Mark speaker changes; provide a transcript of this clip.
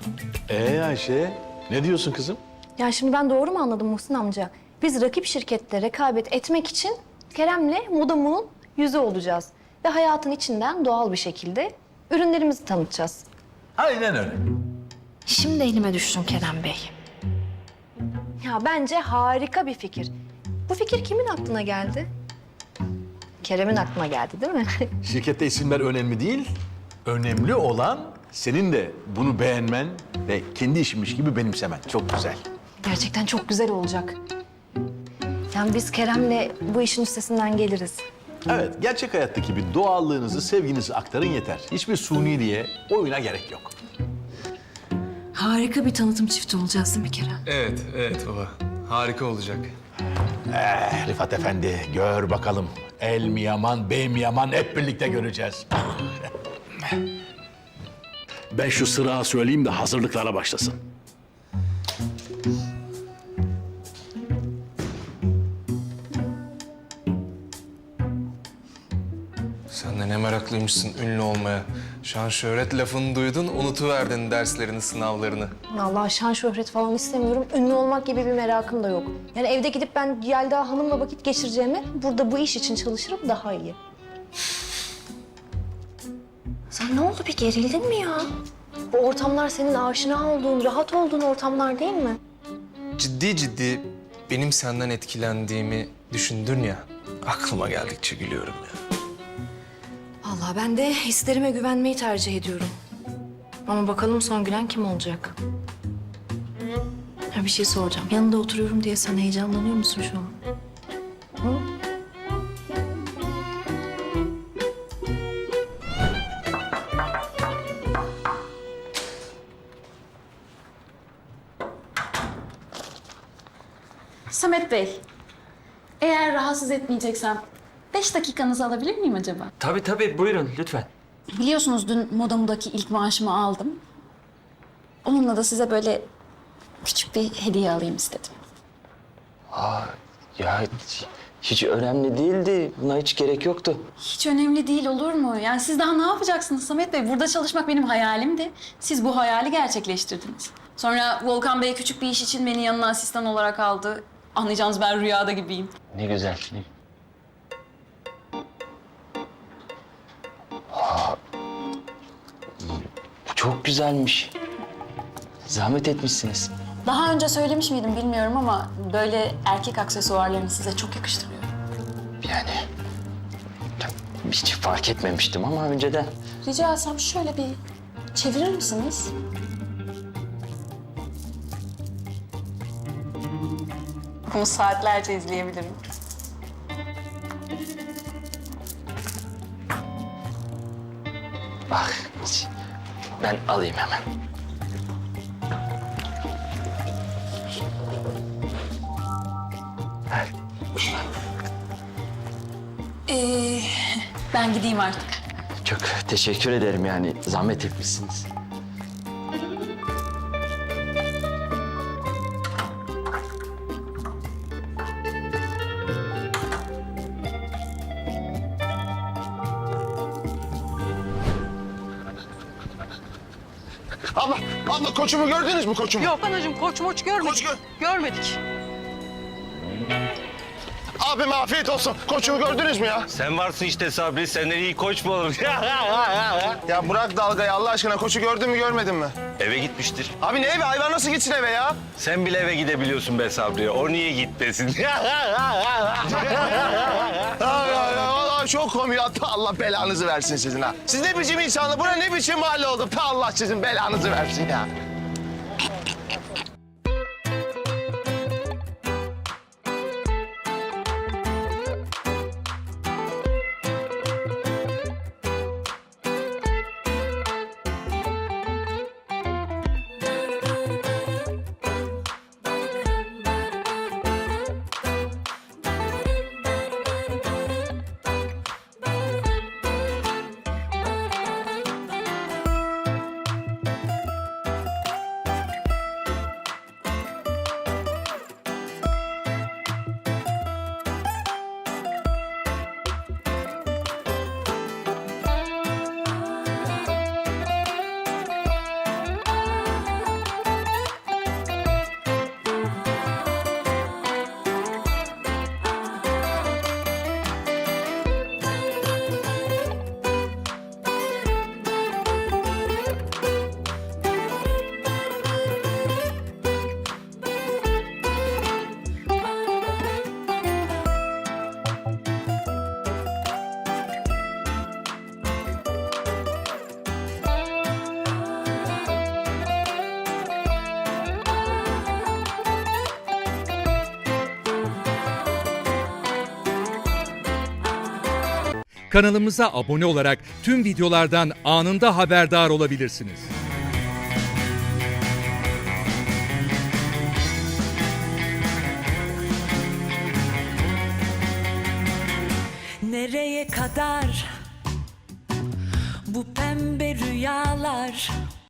Speaker 1: Ayşe, ne diyorsun kızım?
Speaker 2: Ya şimdi ben doğru mu anladım Muhsin amca? Biz rakip şirketle rekabet etmek için Kerem'le Modamu'nun yüzü olacağız. Ve hayatın içinden doğal bir şekilde ürünlerimizi tanıtacağız.
Speaker 1: Aynen öyle.
Speaker 2: Şimdi elime düştün Kerem Bey. Ya bence harika bir fikir. Bu fikir kimin aklına geldi? Kerem'in aklına geldi değil mi?
Speaker 1: Şirkette isimler önemli değil. Önemli olan senin de bunu beğenmen ve kendi işinmiş gibi benimsemen. Çok güzel.
Speaker 2: Gerçekten çok güzel olacak. Yani biz Kerem'le bu işin üstesinden geliriz.
Speaker 1: Evet, gerçek hayattaki bir doğallığınızı, sevginizi aktarın yeter. Hiçbir suniliğe, oyuna gerek yok.
Speaker 2: Harika bir tanıtım çifti olacağız değil mi Kerem?
Speaker 3: Evet baba. Harika olacak.
Speaker 1: Rifat Efendi, gör bakalım. El mi yaman, bey mi yaman hep birlikte göreceğiz.
Speaker 4: Ben şu sırağı söyleyeyim de hazırlıklara başlasın.
Speaker 3: Sen de ne meraklıymışsın ünlü olmaya. Şan şöhret lafını duydun, unutuverdin derslerini, sınavlarını.
Speaker 2: Allah şan şöhret falan istemiyorum. Ünlü olmak gibi bir merakım da yok. Yani evde gidip ben Yelda Hanım'la vakit geçireceğime burada bu iş için çalışırım daha iyi. Sen ne oldu bir gerildin mi ya? Bu ortamlar senin aşina olduğun, rahat olduğun ortamlar değil mi?
Speaker 3: Ciddi benim senden etkilendiğimi düşündün ya. Aklıma geldikçe gülüyorum ya.
Speaker 2: Vallahi ben de hislerime güvenmeyi tercih ediyorum. Ama bakalım son gülen kim olacak? Ha bir şey soracağım. Yanında oturuyorum diye sen heyecanlanıyor musun şu an? Hı?
Speaker 5: Samet Bey, eğer rahatsız etmeyeceksem 5 dakikanızı alabilir miyim acaba?
Speaker 6: Tabii buyurun lütfen.
Speaker 5: Biliyorsunuz dün Modamudaki ilk maaşımı aldım. Onunla da size böyle küçük bir hediye alayım istedim.
Speaker 6: Ya hiç önemli değildi. Buna hiç gerek yoktu.
Speaker 5: Hiç önemli değil olur mu? Yani siz daha ne yapacaksınız Samet Bey? Burada çalışmak benim hayalimdi. Siz bu hayali gerçekleştirdiniz. Sonra Volkan Bey küçük bir iş için beni yanına asistan olarak aldı. Anlayacağınız ben rüyada gibiyim.
Speaker 6: Ne güzel. Bu çok güzelmiş. Zahmet etmişsiniz.
Speaker 5: Daha önce söylemiş miydim bilmiyorum ama böyle erkek aksesuarlarını size çok yakıştırıyorum.
Speaker 6: Yani hiç fark etmemiştim ama önceden.
Speaker 5: Rica etsem şöyle bir çevirir misiniz? Bunu saatlerce izleyebilirim.
Speaker 6: Bak ben alayım hemen.
Speaker 5: Ben gideyim artık.
Speaker 6: Çok teşekkür ederim yani zahmet etmişsiniz.
Speaker 7: Abla koçumu gördünüz mü koçumu?
Speaker 8: Yok anacığım koç moç görmedik.
Speaker 7: Koç
Speaker 8: Görmedik.
Speaker 7: Abime afiyet olsun. Koçumu gördünüz mü ya?
Speaker 9: Sen varsın işte Sabri, senden iyi koç mu olur?
Speaker 7: Ya bırak dalgayı Allah aşkına. Koçu gördün mü görmedin mi?
Speaker 9: Eve gitmiştir.
Speaker 7: Abi ne eve? Hayvan nasıl gitsin eve ya?
Speaker 9: Sen bile eve gidebiliyorsun be Sabri. O niye gitmesin?
Speaker 7: Vallahi çok komik. Hatta Allah belanızı versin sizin ha. Siz ne biçim insanlar? Buna ne biçim mahalle oldu? Allah sizin belanızı versin ya.
Speaker 10: Kanalımıza abone olarak tüm videolardan anında haberdar olabilirsiniz.
Speaker 11: Nereye kadar bu pembe rüyalar?